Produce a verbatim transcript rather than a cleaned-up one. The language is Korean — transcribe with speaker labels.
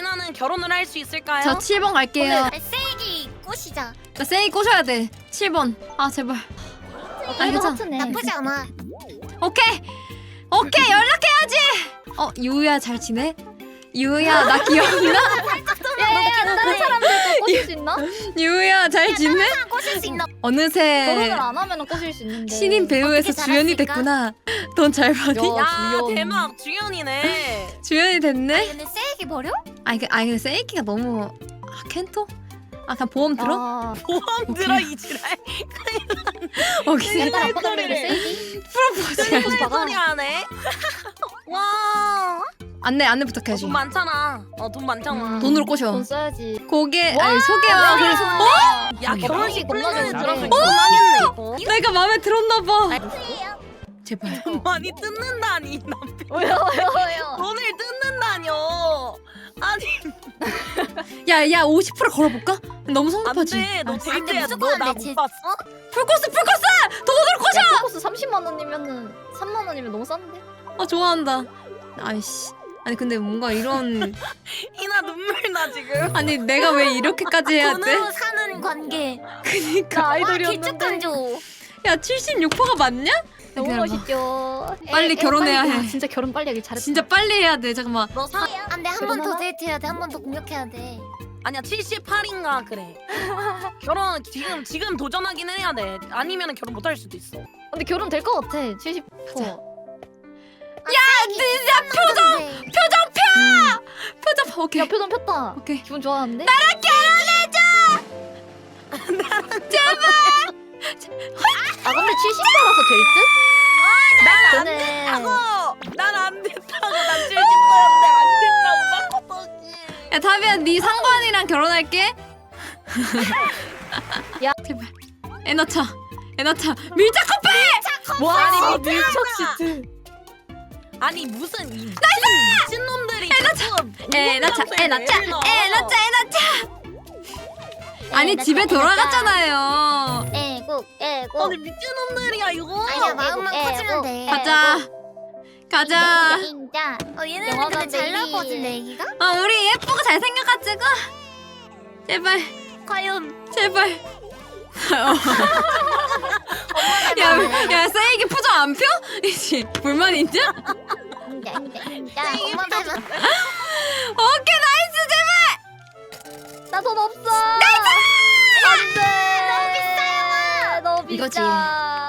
Speaker 1: 예나는 결혼을 할 수 있을까요?
Speaker 2: 저 칠 번 갈게요.
Speaker 3: 세이기 꼬시자.
Speaker 2: 나 세이 꼬셔야 돼. 칠 번. 아 제발.
Speaker 4: 어,
Speaker 2: 아, 괜찮아.
Speaker 4: 하트네.
Speaker 3: 나쁘지 않아.
Speaker 2: 오케이. 오케이 연락해야지. 어 유야 잘 지내? 유야 나 기억나?
Speaker 4: 야야야 다른 사람들도 꼬실 수 있나?
Speaker 2: 유야 잘 지내?
Speaker 3: 꼬실 수 있나?
Speaker 2: 어느새
Speaker 4: 결혼을 안 하면 꼬실 수 있는데.
Speaker 2: 신인 배우에서
Speaker 3: 어떻게
Speaker 2: 주연이
Speaker 3: 잘했을까?
Speaker 2: 됐구나. 돈 잘 버니?
Speaker 4: 야.
Speaker 1: 야
Speaker 4: 주연.
Speaker 1: 대박 주연이네.
Speaker 2: 주연이 됐네?
Speaker 3: 근데 세이기 버려?
Speaker 2: 아니 그 아니 근데 세이키가 너무 아 켄토? 아 그냥 보험 들어?
Speaker 4: 아,
Speaker 1: 보험 들어 이 지랄.
Speaker 2: 오케이.
Speaker 4: 옛날 아빠
Speaker 1: 소리를.
Speaker 4: 달리는 세이기?
Speaker 2: 프로포즈.
Speaker 1: 무슨
Speaker 4: 봐봐.
Speaker 1: 소리 하네. 와.
Speaker 2: 안내 안내
Speaker 1: 어,
Speaker 2: 부탁해야지.
Speaker 1: 돈 많잖아. 어 돈 많잖아.
Speaker 4: 음.
Speaker 2: 돈으로 꼬셔.
Speaker 4: 돈 써야지.
Speaker 2: 고개 아니 소개와 그래.
Speaker 4: 어?
Speaker 1: 야 결혼식 플랜을
Speaker 4: 건너는
Speaker 1: 들어서
Speaker 4: 그래.
Speaker 1: 고마겠네 이거.
Speaker 2: 내가 마음에 들었나 봐. 제발.
Speaker 1: 많이 뜯는다니 남편.
Speaker 4: 왜요 왜요 왜요?
Speaker 1: 돈을 뜯는다뇨. 아니
Speaker 2: 야야 오십 퍼센트 걸어볼까? 너무 성급하지.
Speaker 1: 안돼. 너
Speaker 2: 아,
Speaker 1: 데이트야.
Speaker 3: 무조건
Speaker 1: 너나
Speaker 3: 안 돼,
Speaker 1: 못 봤어?
Speaker 2: 풀코스 풀코스 돈으로 꼬셔.
Speaker 4: 야, 코스 삼십만 원이면은 삼만 원이면 너무 싼데?
Speaker 2: 아 좋아한다. 아이씨. 아니 근데 뭔가 이런
Speaker 1: 이나 눈물 나 지금.
Speaker 2: 아니 내가 왜 이렇게까지 해야 돼?
Speaker 3: 돈으로 사는 관계.
Speaker 2: 그니까
Speaker 4: 나
Speaker 3: 와
Speaker 4: 아이돌이었는데.
Speaker 3: 개축한조.
Speaker 2: 야 칠십육 퍼센트가 맞냐?
Speaker 4: 너무
Speaker 2: 기다려봐.
Speaker 4: 멋있죠.
Speaker 2: 빨리 결혼해야
Speaker 4: 빨리-
Speaker 2: 해.
Speaker 4: 야, 진짜 결혼 빨리 하길 잘했다.
Speaker 2: 진짜 빨리 해야 돼. 잠깐만.
Speaker 1: 너 사.
Speaker 3: 안돼 한 번 더
Speaker 4: 결혼하나?
Speaker 3: 데이트해야 돼. 한 번 더 공격해야 돼.
Speaker 1: 아니야 칠십팔인가 그래. 결혼 지금 지금 도전하긴 해야 돼. 아니면 결혼 못 할 수도 있어.
Speaker 4: 근데 결혼 될 것 같아. 칠십 퍼센트.
Speaker 3: 야 진짜 표정.
Speaker 2: 표정 펴. 표정 펴. 오케이.
Speaker 4: 야 표정 폈다.
Speaker 2: 오케이.
Speaker 4: 기분 좋아하는데? 아 근데 칠십 퍼센트라서 될 듯?
Speaker 1: 난안
Speaker 4: 그네.
Speaker 1: 됐다고. 난 안 됐다고. 난 칠십 퍼센트인데 안 됐다고. 바꿔보지.
Speaker 2: 야 타비야 네 상관이랑 결혼할게.
Speaker 4: 야.
Speaker 2: 제발. 애 낳자. 애 낳자. 밀착 커플.
Speaker 4: 와
Speaker 1: 아니,
Speaker 4: 밀착 시트.
Speaker 1: 아니 무슨 이 미친 미친 놈들이 자꾸
Speaker 2: 애 낳자. 애 낳자. 애 낳자. 애 낳자. 아니
Speaker 4: 낳자,
Speaker 2: 집에
Speaker 4: 애 낳자.
Speaker 2: 돌아갔잖아요.
Speaker 4: 애국 애국.
Speaker 1: 아니 미친 놈들이야 이거.
Speaker 3: 아니야 마음만
Speaker 4: 애국,
Speaker 3: 커지면 돼.
Speaker 4: 애국.
Speaker 2: 가자. 가자.
Speaker 4: 인자.
Speaker 3: 어 얘네는
Speaker 4: 영화관
Speaker 3: 근데 잘
Speaker 4: 베이비.
Speaker 3: 나거든 애기가?
Speaker 2: 아 우리 예쁘고 잘생겨가지고. 제발.
Speaker 1: 과연
Speaker 2: 제발. 야, 야, 세이기 표정 안 펴? 이씨, 불만 있냐?
Speaker 4: 인자 인자 인자.
Speaker 3: 엄마 닮아.
Speaker 2: 오케이, 나이스, 제발!
Speaker 4: 나 돈 없어. 나이스. 안돼. 너무 비싸요. 너무 비싸.
Speaker 2: 이거지.